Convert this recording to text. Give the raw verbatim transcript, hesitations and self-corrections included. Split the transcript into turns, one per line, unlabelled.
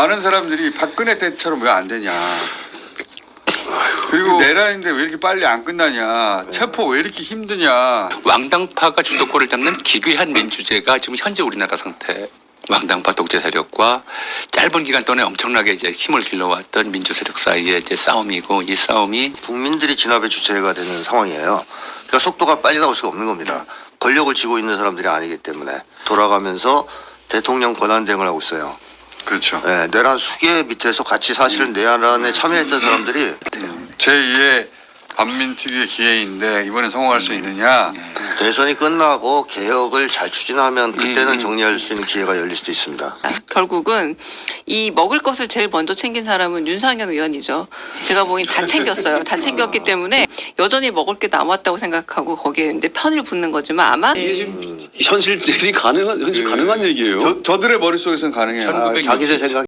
많은 사람들이 박근혜 때처럼 왜 안 되냐. 그리고 내란인데 왜 이렇게 빨리 안 끝나냐. 체포 왜 이렇게 힘드냐.
왕당파가 주도권을 잡는 기괴한 민주제가 지금 현재 우리나라 상태. 왕당파 독재 세력과 짧은 기간 동안에 엄청나게 이제 힘을 길러왔던 민주 세력 사이의 이제 싸움이고, 이 싸움이
국민들이 진압의 주체가 되는 상황이에요. 그러니까 속도가 빨리 나올 수가 없는 겁니다. 권력을 쥐고 있는 사람들이 아니기 때문에 돌아가면서 대통령 권한 대행을 하고 있어요.
그렇죠.
네, 내란 수계 밑에서 같이 사실은 내란에 참여했던 사람들이
제이의 반민특위의 기회인데 이번에 성공할 수 있느냐.
대선이 끝나고 개혁을 잘 추진하면 그때는 정리할 수 있는 기회가 열릴 수도 있습니다.
결국은 이 먹을 것을 제일 먼저 챙긴 사람은 윤상현 의원이죠. 제가 보기엔 다 챙겼어요. 다 챙겼기 때문에 여전히 먹을 게 남았다고 생각하고 거기에 이제 편을 붙는 거지만 아마
이게 지금 현실이 가능한 현실 가능한 얘기예요.
저, 저들의 머릿속에서는 가능해요.
아, 자기들 생각